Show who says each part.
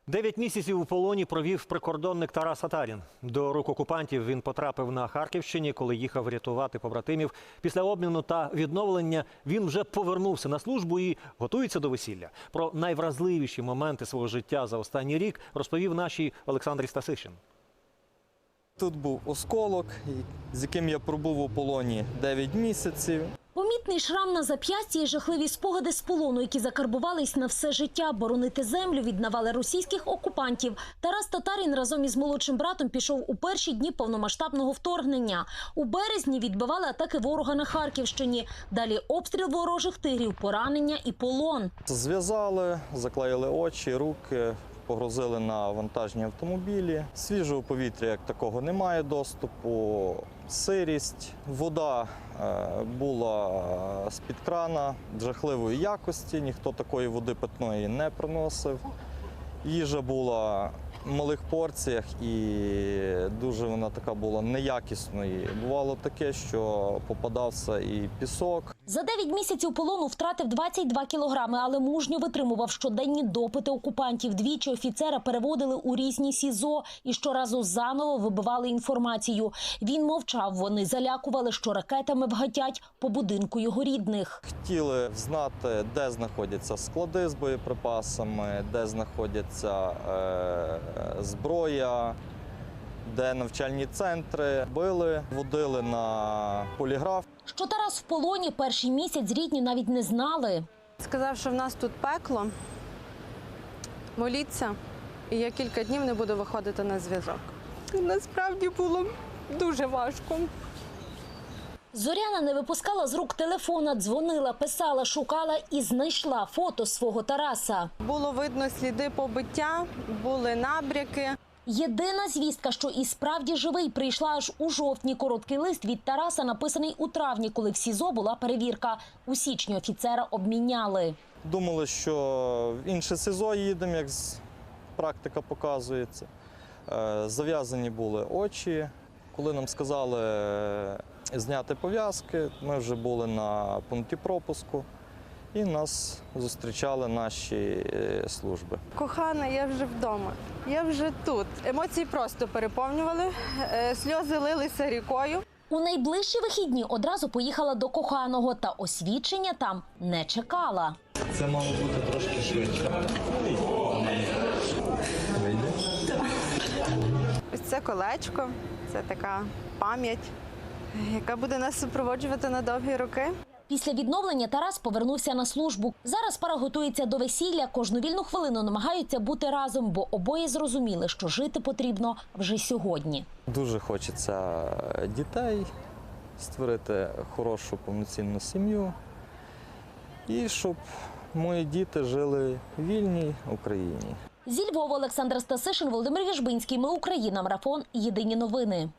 Speaker 1: 9 місяців у полоні провів прикордонник Тарас Татарін. До рук окупантів він потрапив на Харківщині, коли їхав рятувати побратимів. Після обміну та відновлення він вже повернувся на службу і готується до весілля. Про найвразливіші моменти свого життя за останній рік розповів нашій Олександрі Стасишин.
Speaker 2: Тут був осколок, з яким я пробув у полоні 9 місяців.
Speaker 3: Помітний шрам на зап'ясті і жахливі спогади з полону, які закарбувались на все життя. Боронити землю від навали російських окупантів. Тарас Татарін разом із молодшим братом пішов у перші дні повномасштабного вторгнення. У березні відбивали атаки ворога на Харківщині. Далі обстріл ворожих тигрів, поранення і полон.
Speaker 2: Зв'язали, заклеїли очі, руки, погрузили на вантажні автомобілі. Свіжого повітря як такого немає доступу, сирість, вода була з-під крана жахливої якості, ніхто такої води питної не приносив. Їжа була в малих порціях і дуже вона така була неякісної. Бувало таке, що попадався і пісок.
Speaker 3: За 9 місяців полону втратив 22 кілограми, але мужньо витримував щоденні допити окупантів. Двічі офіцера переводили у різні СІЗО і щоразу заново вибивали інформацію. Він мовчав, вони залякували, що ракетами вгатять по будинку його рідних.
Speaker 2: Хотіли знати, де знаходяться склади з боєприпасами, де знаходяться зброя, де навчальні центри. Били, водили на поліграф.
Speaker 3: Що Тарас в полоні перший місяць рідні навіть не знали.
Speaker 4: Сказав, що в нас тут пекло, моліться, і я кілька днів не буду виходити на зв'язок. Насправді було дуже важко.
Speaker 3: Зоряна не випускала з рук телефона, дзвонила, писала, шукала і знайшла фото свого Тараса.
Speaker 4: Було видно сліди побиття, були набряки.
Speaker 3: Єдина звістка, що і справді живий, прийшла аж у жовтні. Короткий лист від Тараса, написаний у травні, коли в СІЗО була перевірка. У січні офіцера обміняли.
Speaker 2: Думали, що в інше СІЗО їдемо, як практика показується. Зав'язані були очі. Коли нам сказали зняти пов'язки, ми вже були на пункті пропуску і нас зустрічали наші служби.
Speaker 4: Кохана, я вже вдома, я вже тут. Емоції просто переповнювали, сльози лилися рікою.
Speaker 3: У найближчі вихідні одразу поїхала до коханого, та освідчення там не чекала.
Speaker 2: Це мало бути трошки швидше.
Speaker 4: Ось це колечко, це така пам'ять, яка буде нас супроводжувати на довгі роки.
Speaker 3: Після відновлення Тарас повернувся на службу. Зараз пара готується до весілля. Кожну вільну хвилину намагаються бути разом, бо обоє зрозуміли, що жити потрібно вже сьогодні.
Speaker 2: Дуже хочеться дітей, створити хорошу повноцінну сім'ю і щоб мої діти жили в вільній Україні.
Speaker 3: Зі Львова Олександра Стасишин, Володимир Віжбинський. Ми Україна. Марафон. Єдині новини.